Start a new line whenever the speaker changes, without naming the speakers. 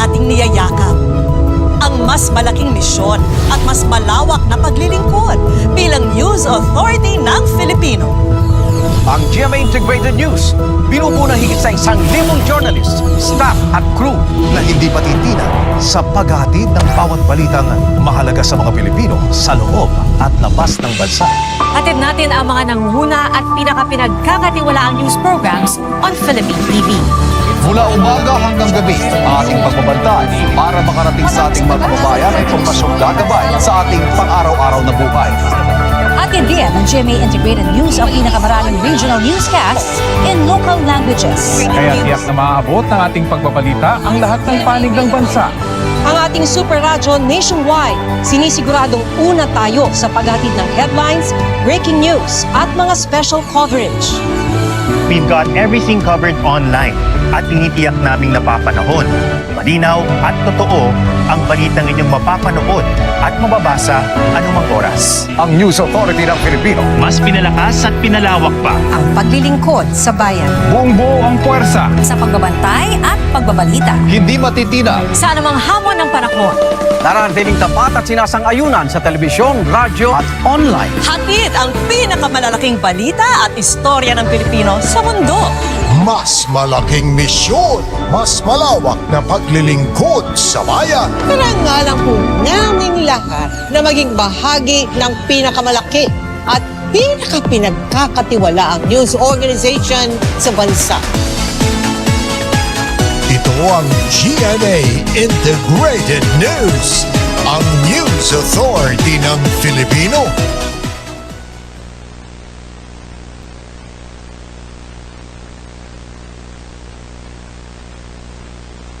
ating niyayakap. Ang mas malaking misyon at mas malawak na paglilingkod bilang News Authority ng Filipino.
Ang GMA Integrated News, binubuo ng higit sa 1,000 journalist, staff at crew
na hindi patitinag sa paghahatid ng bawat balitang mahalaga sa mga Pilipino sa loob at labas ng bansa.
Hatid natin ang mga nangunguna at pinakapinagkakatiwalaang news programs on Philippine TV.
Mula umaga hanggang gabi, ating pagbabantay para makarating sa ating mga kababayan ay impormasyong gagabay sa ating pang-araw-araw na buhay.
Hatid din ng GMA Integrated News ang pinakamaraming regional newscasts in local languages.
Kaya tiyak na maaabot ng ating pagbabalita ang lahat ng panig ng bansa.
Ang ating super radyo nationwide, sinisiguradong una tayo sa paghatid ng headlines, breaking news at mga special coverage.
We've got everything covered online at tinitiyak naming napapanahon. Malinaw at totoo ang balitang inyong mapapanood at mababasa anumang oras.
Ang News Authority ng Filipino.
Mas pinalakas at pinalawak pa.
Ang paglilingkod sa bayan.
Buong buo ang puwersa.
Sa pagbabantay at pagbabalita.
Hindi matitinag.
Sa anumang hamon ng panahon.
nararatiling tapat at sinasang-ayunan sa telebisyon, radyo at online.
Hatid ang pinakamalalaking balita at istorya ng Pilipino sa mundo.
Mas malaking misyon, mas malawak na paglilingkod sa bayan.
Karangalan po naming lahat na maging bahagi ng pinakamalaki at pinakapinagkakatiwalaang news organization sa bansa.
Ito ang GMA Integrated News, ang News Authority ng Filipino.